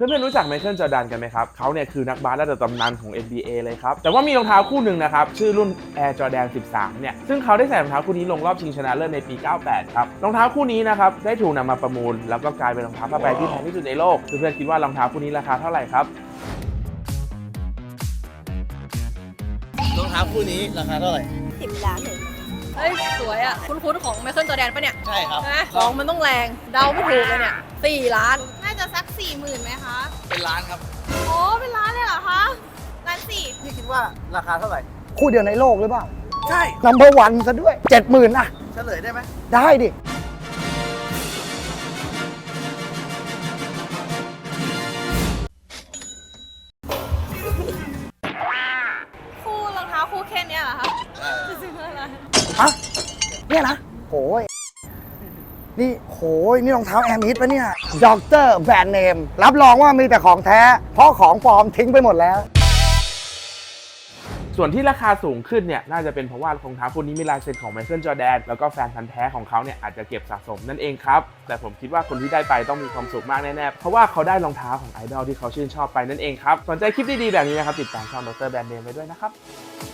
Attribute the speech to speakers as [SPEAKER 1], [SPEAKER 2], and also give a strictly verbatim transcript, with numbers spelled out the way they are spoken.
[SPEAKER 1] เพื่อนๆรู้จักไมเคิลจอร์แดนกันไหมครับเขาเนี่ยคือนักบาสระดับตำนานของ เอ็น บี เอ เลยครับแต่ว่ามีรองเท้าคู่หนึ่งนะครับชื่อรุ่น Air Jordan สิบสามเนี่ยซึ่งเขาได้ใส่รองเท้าคู่นี้ลงรอบชิงชนะเลิศในปีเก้าแปดครับรองเท้าคู่นี้นะครับได้ถูกนำมาประมูลแล้วก็กลายเป็นรองเท้าผ้าใบที่แพงที่สุดในโลกเพื่อนๆคิดว่ารองเท้าคู่นี้ราคาเท่าไหร่ครับ
[SPEAKER 2] รองเท้าคู่นี้ราคาเท่าไหร่
[SPEAKER 3] สิบล้านเลย
[SPEAKER 4] เฮ้ยสวยอ่ะคุ้นๆของไมเคิลจอร์แดนปะเนี่ย
[SPEAKER 2] ใช่ครับ
[SPEAKER 4] นะของมันต้องแรงเดาไม่ถูกเลยเนี่ยสี่ล้าน
[SPEAKER 3] น่าจะสักสี่หมื่นไหมคะ
[SPEAKER 2] เป็นล้านครับ
[SPEAKER 3] โอ้เป็นล้านเลยเหรอคะล้านสี่
[SPEAKER 2] พี่คิดว่าราคาเท่าไหร่
[SPEAKER 5] คู่เดียวในโลกหรือเปล่า
[SPEAKER 2] ใช่
[SPEAKER 5] นัมเบอร์วันซะด้วยเจ็ดหมื่นนะ
[SPEAKER 2] เฉลยได้ไหม
[SPEAKER 5] ได้ดิ
[SPEAKER 3] คู่รองเท้าคู่แค่นี้เหรอคะจะซื้ออะไร
[SPEAKER 5] ฮะเนี่ยนะโหยนี่โหยนี่รองเท้าแอร์มิดปะเนี่ยด็อกเตอร์แบรนด์เนมรับรองว่ามีแต่ของแท้เพราะของปลอมทิ้งไปหมดแล้ว
[SPEAKER 1] ส่วนที่ราคาสูงขึ้นเนี่ยน่าจะเป็นเพราะว่ารองเท้าคู่นี้มีลายเซ็นของไมเคิลจอร์แดนแล้วก็แฟนพันธ์แท้ของเขาเนี่ยอาจจะเก็บสะสมนั่นเองครับแต่ผมคิดว่าคนที่ได้ไปต้องมีความสุขมากแน่ๆเพราะว่าเขาได้รองเท้าของไอดอลที่เขาชื่นชอบไปนั่นเองครับสนใจคลิปดีๆแบบนี้นะครับติดตามช่องดรแบรนด์เนมไว้ด้วยนะครับ